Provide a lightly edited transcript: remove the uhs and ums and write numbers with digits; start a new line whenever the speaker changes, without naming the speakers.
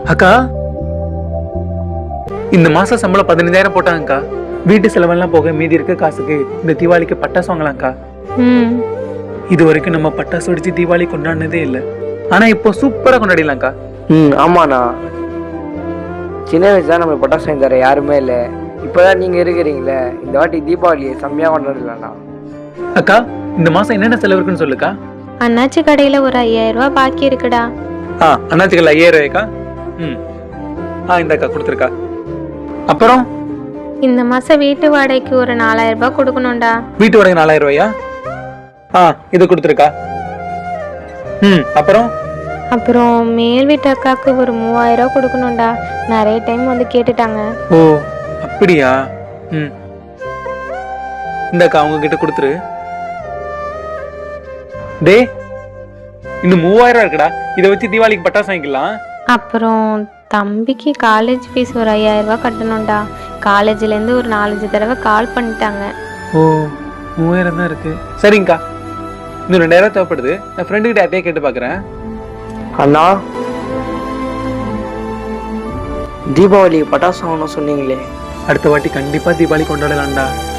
அக்கா, இந்த மாசம் சம்பளம் 15,000 போட்டாங்கக்கா. வீட்டு செலவெல்லாம் போக மீதி இருக்க காசுக்கு இந்த தீபாவளிக்கு பட்டாசு வாங்கலாம்க்கா.
ம்.
இது வரைக்கும் நம்ம பட்டாசு வெடிச்சு தீபாவளி கொண்டாடினதே இல்லை. ஆனா இப்போ சூப்பரா கொண்டாடிடலாம்க்கா.
ஆமாண்ணா. சின்ன வயசுல நம்ம பட்டாசு வாங்கி தர யாருமே இல்லை. இப்போதான் நீங்கள் இருக்கிறீங்களே, இந்த வாட்டி தீபாவளியை செம்மையாக கொண்டாடலாம்ண்ணா.
அக்கா, இந்த மாசம் என்னென்ன செலவு இருக்குன்னு சொல்லுக்கா.
அண்ணாச்சி கடையில ஒரு 5,000 ரூபாய் பாக்கி இருக்குடா.
அண்ணாச்சிகள் 5,000 ரூபாய்க்கா. இந்தக்கா கொடுத்துருக்கா. அப்புறம்
இந்த மாசம் வீட்டு வாடகைக்கு ஒரு 4,000 ரூபாய் கொடுக்கணும்டா.
வீட்டு வாடகை 4,000 ரூபாயா? இது கொடுத்துருக்கா.
அப்புறம் மேல் வீட்டு அக்காவுக்கு ஒரு 3,000 ரூபாய் கொடுக்கணும்டா. நிறைய டைம் வந்து கேட்டுட்டாங்க.
ஓ அப்படியா? இந்தக்கா அவங்க கிட்ட கொடுத்துரு. டே, இன்னும் 3,000 இருக்குடா. இதை வச்சு தீபாவளிக்கு பட்டாசு வாங்கிக்கலாம்.
அப்புறம் தம்பிக்கு காலேஜ் ஃபீஸ் ஒரு 5,000 ரூபாய் கட்டணும்டா. காலேஜ்லேருந்து ஒரு 4-5 தடவை கால் பண்ணிட்டாங்க.
ஓ 3,000 தான் இருக்கு. சரிங்கக்கா, இன்னும் 2,000 தேவைப்படுது. நான் ஃப்ரெண்டு கிட்ட யார்ட்டையே கேட்டு பார்க்குறேன்.
அண்ணா, தீபாவளி பட்டாசு வாங்கணும் சொன்னீங்களே,
அடுத்த வாட்டி கண்டிப்பா தீபாவளி கொண்டாடலாம்டா.